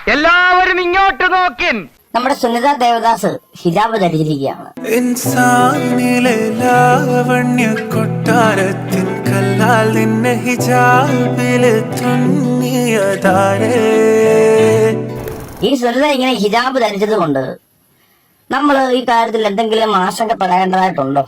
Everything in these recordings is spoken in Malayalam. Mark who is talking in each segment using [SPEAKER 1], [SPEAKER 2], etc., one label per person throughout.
[SPEAKER 1] എല്ലാവരും ഇങ്ങോട്ട് നോക്കിൻ.
[SPEAKER 2] നമ്മുടെ സുനിത ദേവദാസ് ഹിജാബ് ധരിച്ചിരിക്കുകയാണ്.
[SPEAKER 3] ഇൻസാനിലെ ലാവണ്യ കൊട്ടാരത്തിൻ കല്ലാൽ നിന്നെ ഹിജാബിൽ തുന്നിയതാരേ.
[SPEAKER 2] ഈ സുനിത ഇങ്ങനെ ഹിജാബ് ധരിച്ചത് കൊണ്ട് നമ്മൾ ഈ കാര്യത്തിൽ എന്തെങ്കിലും ആശങ്കപ്പെടേണ്ടതായിട്ടുണ്ടോ?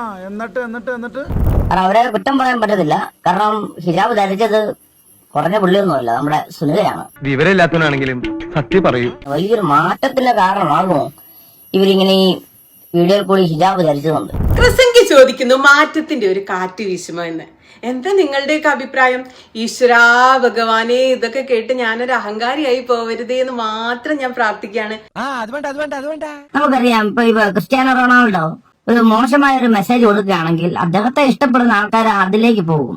[SPEAKER 2] കാരണം അവരെ കുറ്റം പറയാൻ പറ്റത്തില്ല. കാരണം ഹിജാബ് ധരിച്ചത് കുറഞ്ഞ പുള്ളിയൊന്നുമല്ല, നമ്മുടെ സുനിതയാണ്.
[SPEAKER 1] വിവരമില്ലാത്തവനാണെങ്കിലും സത്യം പറയൂ.
[SPEAKER 2] വലിയൊരു മാറ്റത്തിന്റെ കാരണമാകുമോ ഇവരിങ്ങനെ ഈ വീഡിയോയിൽ കൂടി ഹിജാബ് ധരിച്ചതുകൊണ്ട്?
[SPEAKER 4] ക്രിസംഗി ചോദിക്കുന്നു, മാറ്റത്തിന്റെ ഒരു കാറ്റ് വീശുമോ എന്ന്. എന്താ നിങ്ങളുടെയൊക്കെ അഭിപ്രായം? ഈശ്വരാ ഭഗവാനെ, ഇതൊക്കെ കേട്ട് ഞാനൊരു അഹങ്കാരിയായി പോവരുതേ എന്ന് മാത്രം ഞാൻ പ്രാർത്ഥിക്കുകയാണ്.
[SPEAKER 2] നമുക്കറിയാം, ഇപ്പൊ ക്രിസ്ത്യാനോ റൊണാൾഡോ ഒരു മോശമായ ഒരു മെസ്സേജ് കൊടുക്കുകയാണെങ്കിൽ അദ്ദേഹത്തെ ഇഷ്ടപ്പെടുന്ന ആൾക്കാർ അതിലേക്ക് പോകും.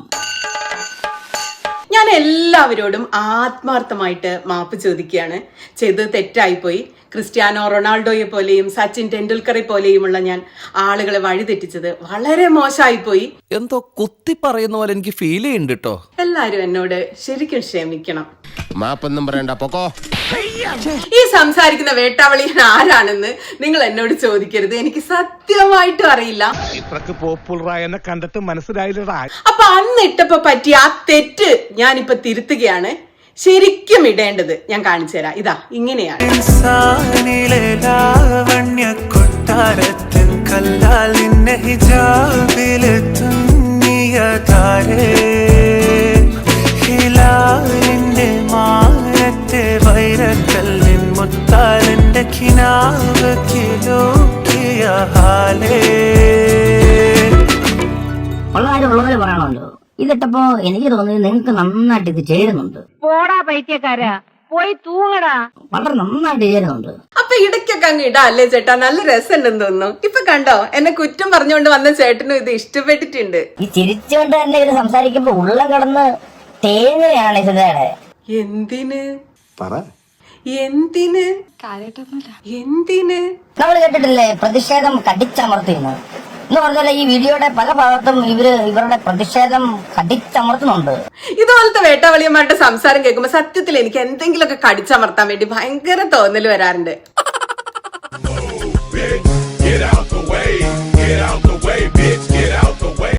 [SPEAKER 4] ഞാൻ എല്ലാവരോടും ആത്മാർത്ഥമായിട്ട് മാപ്പ് ചോദിക്കുകയാണ്. ചെയ്തത് തെറ്റായിപ്പോയി. ക്രിസ്ത്യാനോ റൊണാൾഡോയെ പോലെയും സച്ചിൻ ടെണ്ടുൽക്കറെ പോലെയുമുള്ള ഞാൻ ആളുകളെ വഴിതെറ്റിച്ചത് വളരെ മോശമായിപ്പോയി.
[SPEAKER 5] എന്തോ കുത്തി പറയുന്ന പോലെ എനിക്ക് ഫീൽ ചെയ്യുന്നുണ്ട് കേട്ടോ.
[SPEAKER 4] എല്ലാരും എന്നോട് ശരിക്കും ക്ഷമിക്കണം.
[SPEAKER 6] മാപ്പൊന്നും പറയണ്ട, പൊക്കോ.
[SPEAKER 4] ഈ സംസാരിക്കുന്ന വേട്ടാവളിയൻ ആരാണെന്ന് നിങ്ങൾ എന്നോട് ചോദിക്കരുത്. എനിക്ക് സത്യമായിട്ടും അറിയില്ല.
[SPEAKER 7] പോപ്പുലറായെന്നെ കണ്ടിട്ട് മനസ്സിലായില്ലടാ.
[SPEAKER 4] അപ്പൊ അന്ന് ഇട്ടപ്പോ പറ്റിയ ആ തെറ്റ് ഞാനിപ്പൊ തിരുത്തുകയാണ്. ശരിക്കും ഇടേണ്ടത് ഞാൻ കാണിച്ചു തരാം. ഇതാ ഇങ്ങനെയാണ്.
[SPEAKER 3] ഇൻസാനിലെ ലാവണ്യ കൊട്ടാരത്തിൻ കല്ലാൽ നിന്നെ ഹിജാബിൽ തുന്നിയതാരേ. ഹിലാലിന്റെ മാനത്തെ വൈരക്കല്ലിൻ മുത്താലിന്റെ കിനാവ് കിലോക്കിയ ഹാലേ.
[SPEAKER 2] ഉള്ളവരെ പറയണമല്ലോ. ഇതിട്ടപ്പോ എനിക്ക് തോന്നുന്നത് നിങ്ങൾക്ക് നന്നായിട്ട് ഇത് ചേരുന്നുണ്ട്.
[SPEAKER 8] പോടാ പൈത്യക്കാരാ, പോയി തൂങ്ങടാ.
[SPEAKER 2] വളരെ നന്നായിട്ട് ചേരുന്നുണ്ട്.
[SPEAKER 4] അപ്പൊ ഇടയ്ക്കൊക്കെ അങ്ങ് ഇടാ അല്ലേ ചേട്ടാ? നല്ല രസമുണ്ടെന്ന് തോന്നുന്നു. ഇപ്പൊ കണ്ടോ, എന്നെ കുറ്റം പറഞ്ഞുകൊണ്ട് വന്ന ചേട്ടനും ഇത് ഇഷ്ടപ്പെട്ടിട്ടുണ്ട്.
[SPEAKER 2] ഈ ചിരിച്ചുകൊണ്ട് തന്നെ ഇത് സംസാരിക്കുമ്പോ ഉള്ളം കടന്ന് തേങ്ങയാണ് സുധയുടെ.
[SPEAKER 4] എന്തിന് എന്തിന് എന്തിന്
[SPEAKER 2] നമ്മൾ കേട്ടിട്ടില്ലേ പ്രതിഷേധം കടിച്ചമർത്തിയെന്ന്? എന്ന് പറഞ്ഞാൽ ഈ വീഡിയോയുടെ പല ഭാഗത്തും ഇവരുടെ പ്രതിഷേധം കടിച്ചമർത്തുന്നുണ്ട്.
[SPEAKER 4] ഇതുപോലത്തെ വേട്ടാവളിയന്മാരുടെ സംസാരം കേൾക്കുമ്പോ സത്യത്തിൽ എനിക്ക് എന്തെങ്കിലുമൊക്കെ കടിച്ചമർത്താൻ വേണ്ടി ഭയങ്കര തോന്നൽ വരാറുണ്ട്.